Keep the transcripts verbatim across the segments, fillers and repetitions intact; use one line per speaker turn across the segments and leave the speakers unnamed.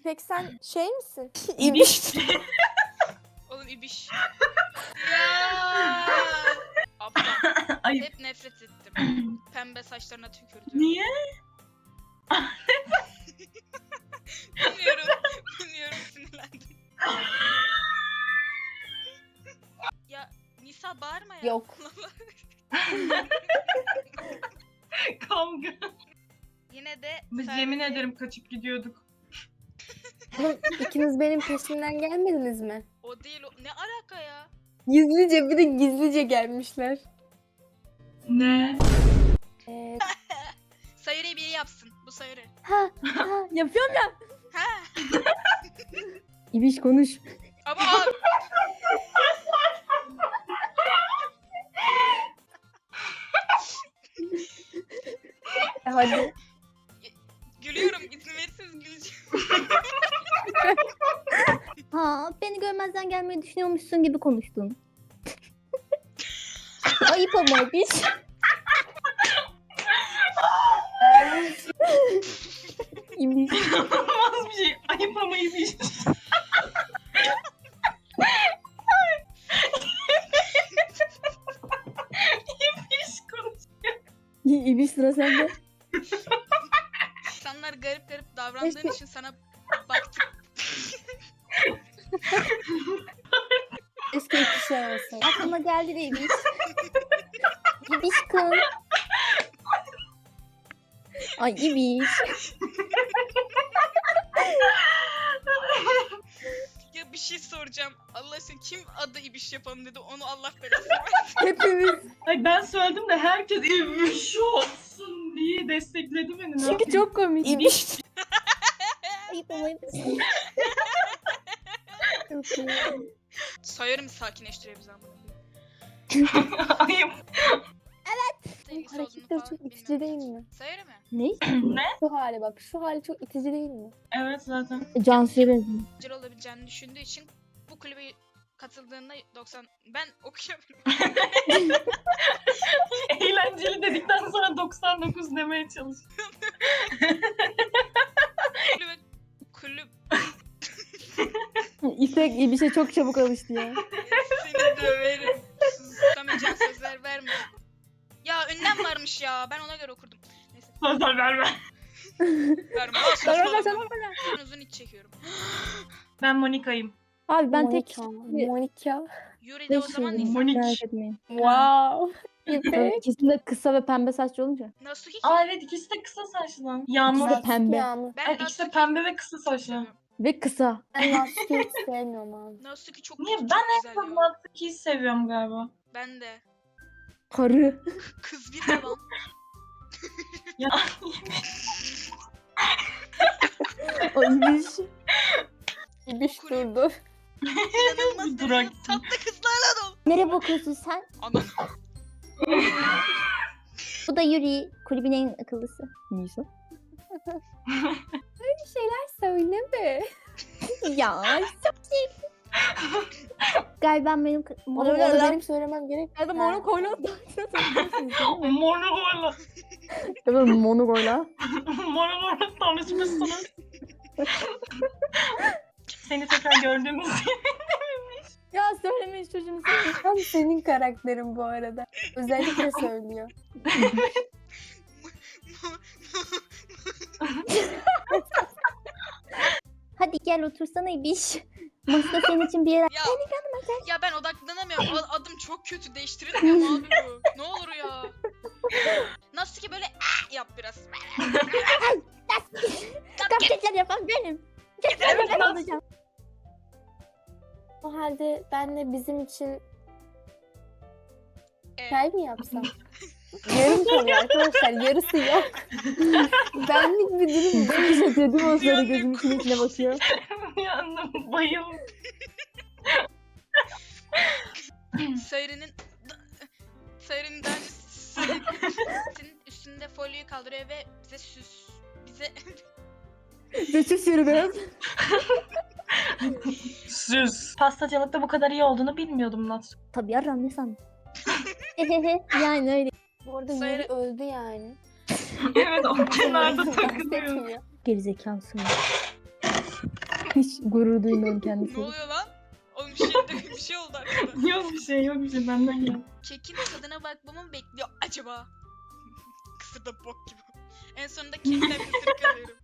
İpek sen şey misin?
İbiş.
Oğlum ibiş. Ya. Abla.
Ayıp.
Hep nefret ettim. Pembe saçlarına tükürdü.
Niye?
Bilmiyorum. Bilmiyorum, sinirlendim. Ya Nisa bağırma ya.
Yok.
Kavga.
Yine de
Biz
sen-
yemin ederim kaçıp gidiyorduk.
Oğlum ikiniz benim peşimden gelmediniz mi?
O değil o. Ne alaka ya?
Gizlice bir de gizlice gelmişler.
Ne?
Ee,
Sayırı biri yapsın. Bu sayırı.
ha, ha, yapıyorum ya.
Ha.
İbiş konuş.
Ama abi.
Hadi.
Gülüyorum. İzin verirseniz güleceğim.
Ha, beni görmezden gelmeyi düşünüyormuşsun gibi konuştun. Ayıp ama İbiş. İbiş.
İnanılmaz bir şey. Ayıp ama iyi bir şey. İbiş konuşuyor.
İbiş sıra sende.
İnsanlar garip garip davrandığın
Keşke-
için sana baktım.
Keşke iki şey olsa.
Aklıma geldi de İbiş. İbiş kız. Ay İbiş.
Ya bir şey soracağım. Allah aşkına kim adı ibiş yapalım dedi, onu Allah belasını versin.
Hepimiz.
Ay ben söyledim de herkes ibiş olsun diye destekledi beni. Ne
Çünkü
yapayım?
çok komik. İbiş.
Ayıp ama İbiş.
Çok iyi.
Sayarım sakinleştiriyor bizi amına.
Ayıp.
Sevgisi
Hareketler
olduğunu
çok
falan
itici değil
bilmiyorum.
mi?
Sayarı mı?
Ne?
Şu hali bak. Şu hali çok itici değil mi?
Evet zaten.
Cansu'ya benziyor.
Güzel olabileceğini düşündüğü için bu kulübe katıldığında doksan ben okuyamıyorum.
Eğlenceli dedikten sonra doksan dokuz demeye çalışıyor.
kulübe kulüp
İpek İbiş'e çok çabuk alıştı ya.
seni döverim. Tutamayacağın sözler verme. Ya ünlem varmış ya. Ben ona göre okurdum. Neyse.
Sözler verme.
Verme.
Sana sana
Ben uzun iç çekiyorum.
Ben Monika'yım.
Abi ben tek
Monika. Monika.
Yuri de o zaman
şeyim.
Nisa.
Monik.
Merak etmeyin.
Wow. İpek.
İkisi de kısa ve pembe saçlı olunca.
Nasuki.
Aa evet ikisi de kısa saçlı lan. Yağmur.
İkisi de pembe.
Yağmur.
Ben
Evet ikisi de
Nasuki
pembe ve kısa saçlı.
Ve kısa.
Ben Nasuki'yi hiç sevmiyorum abi.
Nasuki çok
Niye?
çok
Ben en
güzel
çok
ya.
Natsuki'yi seviyorum galiba.
Ben de.
Karı.
Kız bir devam.
Ya
Ay İbiş.
İbiş
Kulüp.
durdu.
İnanılmaz
Bir
derecede
durak.
tatlı kızlarla dolu.
Nereye bakıyorsun sen?
Aman.
Bu da Yuri. Kulübün en akıllısı. Nisa.
Bir şeyler söyleme.
Ya çok şey. Galiba benim
Onu, onu benim söylemem gerek.
Galiba
Ha.
monokoyla
Monogoyla.
Evet monokoyla.
Monogoyla tanışmışsınız. Seni tekrar gördüğümüz
Ya söylemeyin çocuğunu.
Tam senin karakterin bu arada. Özellikle söylüyor.
Hadi gel otursana İbiş. Masada senin için bir yer.
Ya, ya ben odaklanamıyorum. A- Adım çok kötü. Değiştirilmiyor mu abi bu? Ne olur ya. Nasuki böyle "Ah!" yap biraz.
Gerçekler yapan benim. Gerçekten
Evet,
ben
nasıl?
olacağım.
O halde ben de bizim için
Ee,
çay mı yapsam? Yarım kalıyor arkadaşlar. Yarısı yok. Benlik bir durum bu.
İbiş atıyor değil mi o sırada
Bir
gözümün içine içine bakıyor.
yandım bayıldım.
Sayırı'nın Sayırı'nın daha önce Sayırı'nın üstünde folyoyu kaldırıyor ve bize süs bize
Geçiş yürü biraz.
Süz. Pastacılıkta bu kadar iyi olduğunu bilmiyordum Natsu.
Tabii yaram ne sandın? Yani öyle.
Bu arada
Sayın-
Yuri öldü yani.
Evet o kenarda takılıyor.
Bahsetmiyor.
Gerizekalısın.
Hiç gurur duymuyorum
Ne
kendisiyle.
oluyor lan? Oğlum bir şey, bir şey oldu arkada.
Yok bir şey yok bir şey benden gel.
Kekin tadına bakmamı mı bekliyor acaba? Kısır da bok gibi. En sonunda kekten ısırık alıyorum.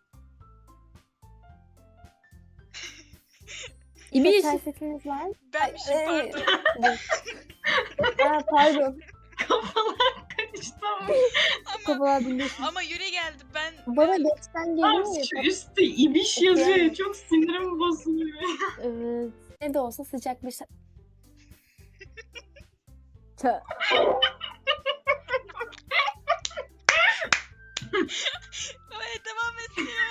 İbiş.
Felsefeliniz var mı?
Benmişim
Ay,
pardon.
Aa, pardon.
Kafalar karıştı ama.
Ama,
Kafalar birleşmiş.
ama yüre geldi. Ben,
Bana
ben
geçten
Abi
geliyor ya.
şu üstte ibiş yazıyor. Çok sinirim bozuluyor.
Evet. Ne de olsa sıcak bir şey.
Ça-
Ay, devam etsin ya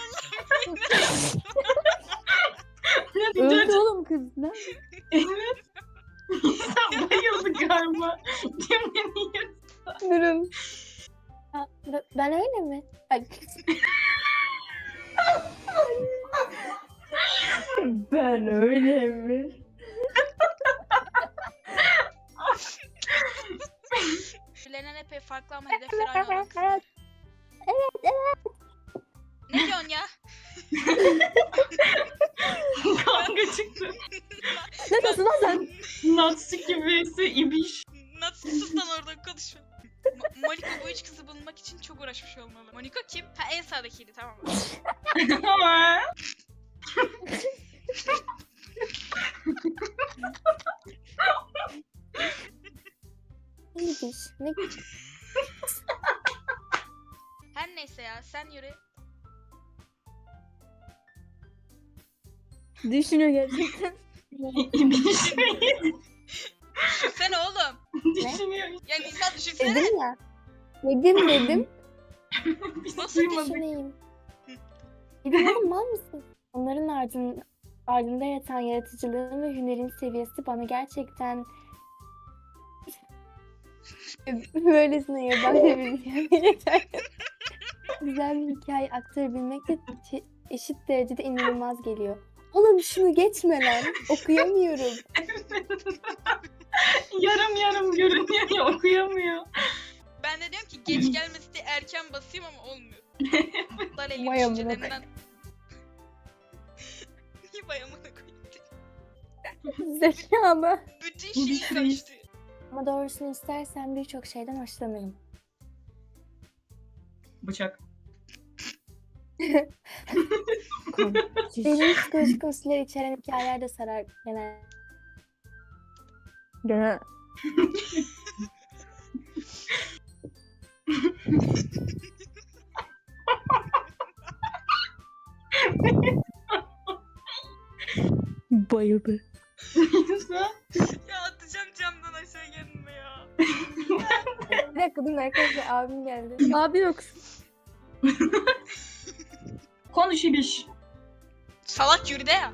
Ne
Öldü
diyeceğim?
oğlum kız. Ne?
Evet. Sen bayıldı galiba. Yemin ederim.
Durun. Ha, b- ben öyle mi? Ay,
Ben öyle mi?
Birbirlerinden epey farklı ama hedefleri aynı olan kızlar. Ne diyorsun ya?
Kavga çıktı.
Ne diyorsun lan sen?
Natsuki vs ibiş.
Nasıl sus lan oradan konuşma. Mo- Monika bu üç kızı bulmak için çok uğraşmış olmalı. Monika kim? Ha en sağdakiydi tamam mı?
iyiymiş. Ne
Her neyse ya sen yürü.
Düşünüyor gerçekten.
ibiş mi?
Düşünsene oğlum.
Düşünüyor.
Ya insan düşünsene.
dedim ya. Dedim dedim.
Biz
Nasıl
duymadık.
Düşüneyim. Dedim oğlum mal mısın? Onların ardın, ardında yatan yaratıcılığın ve hünerin seviyesi bana gerçekten böylesine yabancı bir hikaye yeter. Güzel bir hikaye aktarabilmek de çe- eşit derecede inanılmaz geliyor. Oğlum şunu geçme lan. Okuyamıyorum.
Yarım yarım görünüyor ya okuyamıyor.
Ben de diyorum ki geç gelmesi de erken basayım ama olmuyor. Bunlar elli
Vay amına
düşüncelerinden. Niye vay amına koyayım?
Zekalı.
Bütün şeyi
Biz-
karıştı.
Ama doğrusunu istersen birçok şeyden hoşlanırım.
Bıçak.
Benim psikolojik unsurlar içeren hikayeler de sarar genel.
Gene bayıldı.
Ya atacağım camdan aşağı kendime ya.
Bir dakika dur arkadaşlar abim geldi.
Abi yoksun.
Konuş ibiş.
Salak yürü de ya.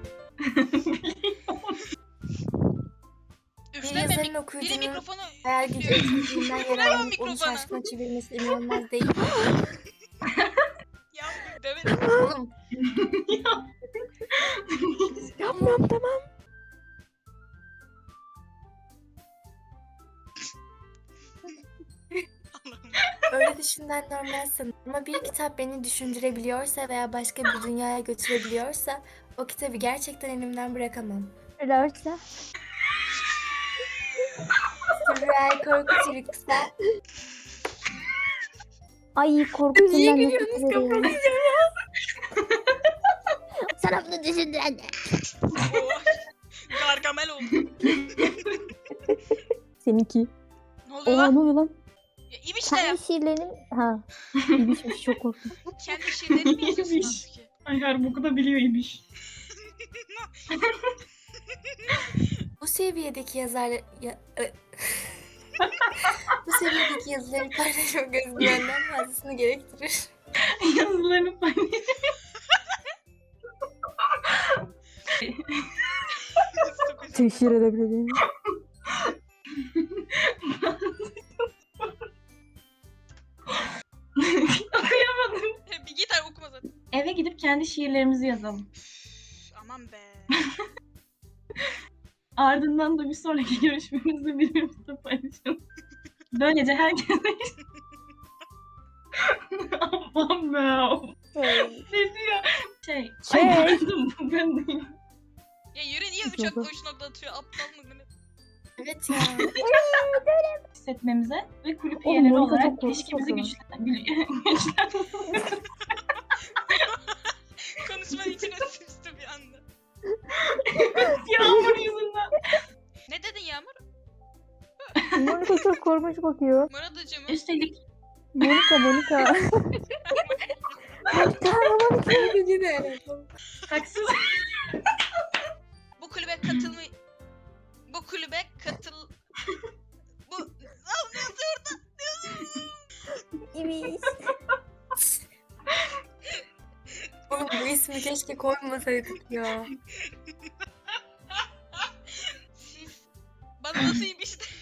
Bir
Üfleme
yazarın
mik- biri
okuyucunun
mikrofonu
hayal gücü etkinliğinden
Ver o
yararlanıp onu
mikrofonu.
şaşkına çevirmesi inanılmaz değil.
ya demedim.
Oğlum
Yapmam tamam.
Allah'ım.
öyle düşünden normal sanırım. Ama bir kitap beni düşündürebiliyorsa veya başka bir dünyaya götürebiliyorsa o kitabı gerçekten elimden bırakamam.
Öyleyse.
Sürreal korku çürükse.
Ay korkusundan nefret ederim.
Sana bunu düşündüren de.
Oo. Gargamel oldu.
Seninki.
Ne oluyor
Oha
lan?
ne oluyor lan?
Ya İbiş de ya.
Kendi şiirlerim...
Ha. İbişmiş çok korktum.
Kendi şiirlerini mi yazıyorsun
İbiş.
Natsuki?
Ay her boku da biliyor ibiş.
Bu seviyedeki yazarlar... Ya, ö- Bu seviyedeki yazıları paylaşmak özgüvenden fazlasını gerektirir.
Yazılarını paylaş.
Teşhir edebilirim.
Okuyamadım.
Bir git abi okuma zaten.
Eve gidip kendi şiirlerimizi yazalım.
Üf, aman be.
Ardından da bir sonraki görüşmemizde birbirimizle paylaşalım. Böylece herkese... Aman be. Ne diyor? Şey.
Şey.
Ay, ben, ben değilim.
Ya yürü niye üç nokta üç nokta atıyor? Aptal mı ne?
Evet ya.
Hissetmemize ve kulüp
Oğlum,
üyeleri
Monika
olarak
çok korkunç
ilişkimizi
o
güçlen- güçlen-
Konuşmanın içine sıçtı bir anda.
Yağmur yüzünden.
Ne dedin Yağmur?
Monika çok korkunç bakıyor.
Murat Hacı mı?
Üstelik
Monika Monika.
Bence de.
haksız.
Bu kulübe katılma... Bu kulübe katıl... Bu... Al ne yazıyor orada?
İbiş. Oğlum bu ismi keşke koymasaydık ya.
Siz... Bana nasıl iyi bir şey...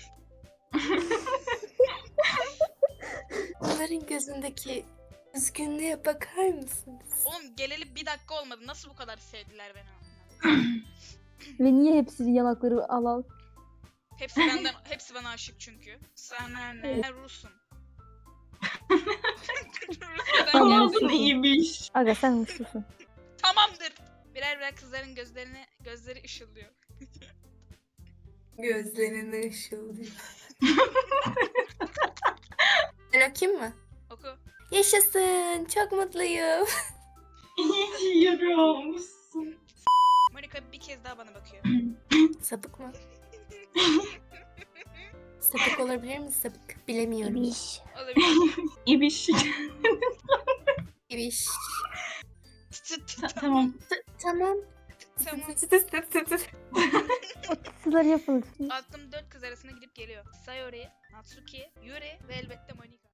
Onların gözündeki üzgünlüğe bakar mısınız?
Oğlum geleli bir dakika olmadı. Nasıl bu kadar sevdiler beni?
Ve niye hepsi yanakları al al?
Hepsi benden, hepsi bana aşık çünkü. Sana ne? Ben Rus'um. Rusya'dan
Tamam.
geldim.
Olsun iyiymiş.
Aga sen mutlusun.
Tamamdır. Birer birer kızların gözlerini, gözleri ışıldıyor.
Gözlerinde ışıldıyor. Ben okuyayım mı?
Oku.
Yaşasın. Çok mutluyum.
İyi ki yürüyormuşsun.
Monika bir kez daha bana bakıyor.
Sapık mı? Sapık olabilir mi sapık? Bilemiyorum.
İbiş.
Olabilir.
İbiş.
İbiş.
Ta- tamam.
Tamam.
Tamam.
O tısıları yapılsın.
Aklım dört kız arasında gidip geliyor. Sayori, Natsuki, Yuri ve elbette Monika.